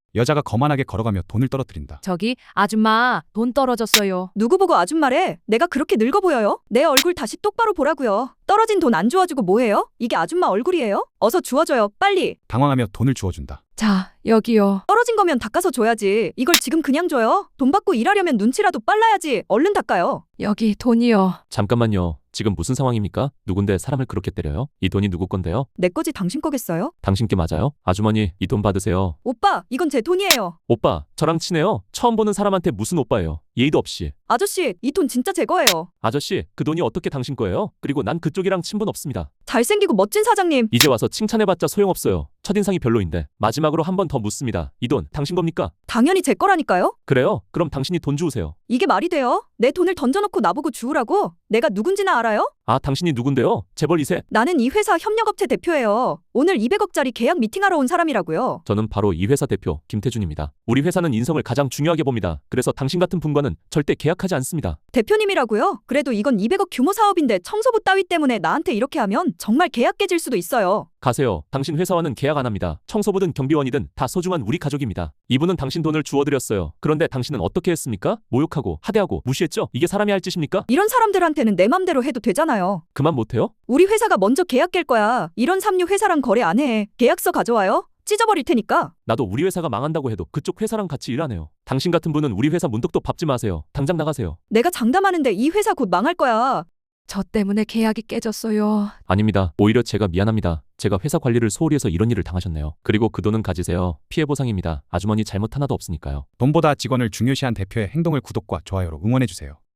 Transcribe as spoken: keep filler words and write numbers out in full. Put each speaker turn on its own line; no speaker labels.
여자가 거만하게 걸어가며 돈을 떨어뜨린다.
저기 아줌마 돈 떨어졌어요.
누구 보고 아줌마래? 내가 그렇게 늙어 보여요? 내 얼굴 다시 똑바로 보라고요. 떨어진 돈 안 주워주고 뭐해요? 이게 아줌마 얼굴이에요? 어서 주워줘요, 빨리.
당황하며 돈을 주워준다.
자, 여기요.
떨어진 거면 닦아서 줘야지. 이걸 지금 그냥 줘요? 돈 받고 일하려면 눈치라도 빨라야지. 얼른 닦아요.
여기 돈이요.
잠깐만요. 지금 무슨 상황입니까? 누군데 사람을 그렇게 때려요? 이 돈이 누구 건데요?
내 거지 당신 거겠어요?
당신께 맞아요? 아주머니, 이 돈 받으세요.
오빠, 이건 제 돈이에요.
오빠, 저랑 친해요. 처음 보는 사람한테 무슨 오빠예요? 예의도 없이.
아저씨, 이 돈 진짜 제 거예요.
아저씨, 그 돈이 어떻게 당신 거예요? 그리고 난 그쪽이랑 친분 없습니다.
잘생기고 멋진 사장님.
이제 와서 칭찬해봤자 소용없어요. 첫인상이 별로인데. 마지막으로 한 번 더 묻습니다. 이 돈 당신 겁니까?
당연히 제 거라니까요?
그래요? 그럼 당신이 돈 주우세요.
이게 말이 돼요? 내 돈을 던져놓고 나보고 주우라고? 내가 누군지나 알아요?
아, 당신이 누군데요? 재벌 이 세?
나는 이 회사 협력업체 대표예요. 오늘 이백억짜리 계약 미팅하러 온 사람이라고요.
저는 바로 이 회사 대표 김태준입니다. 우리 회사는 인성을 가장 중요하게 봅니다. 그래서 당신 같은 분과는 절대 계약하지 않습니다.
대표님이라고요? 그래도 이건 이백억 규모 사업인데 청소부 따위 때문에 나한테 이렇게 하면 정말 계약 깨질 수도 있어요.
가세요. 당신 회사와는 계약 안 합니다. 청소부든 경비원이든 다 소중한 우리 가족입니다. 이분은 당신 돈을 주워드렸어요. 그런데 당신은 어떻게 했습니까? 모욕하고 하대하고 무시했죠? 이게 사람이 할 짓입니까?
이런 사람들한테는 내 맘대로 해도 되잖아요.
그만 못해요?
우리 회사가 먼저 계약 깰 거야. 이런 삼류 회사랑 거래 안 해. 계약서 가져와요. 찢어버릴 테니까.
나도 우리 회사가 망한다고 해도 그쪽 회사랑 같이 일하네요. 당신 같은 분은 우리 회사 문득도 밟지 마세요. 당장 나가세요.
내가 장담하는데 이 회사 곧 망할 거야.
저 때문에 계약이 깨졌어요.
아닙니다. 오히려 제가 미안합니다. 제가 회사 관리를 소홀히 해서 이런 일을 당하셨네요. 그리고 그 돈은 가지세요. 피해 보상입니다. 아주머니 잘못 하나도 없으니까요.
돈보다 직원을 중요시한 대표의 행동을 구독과 좋아요로 응원해주세요.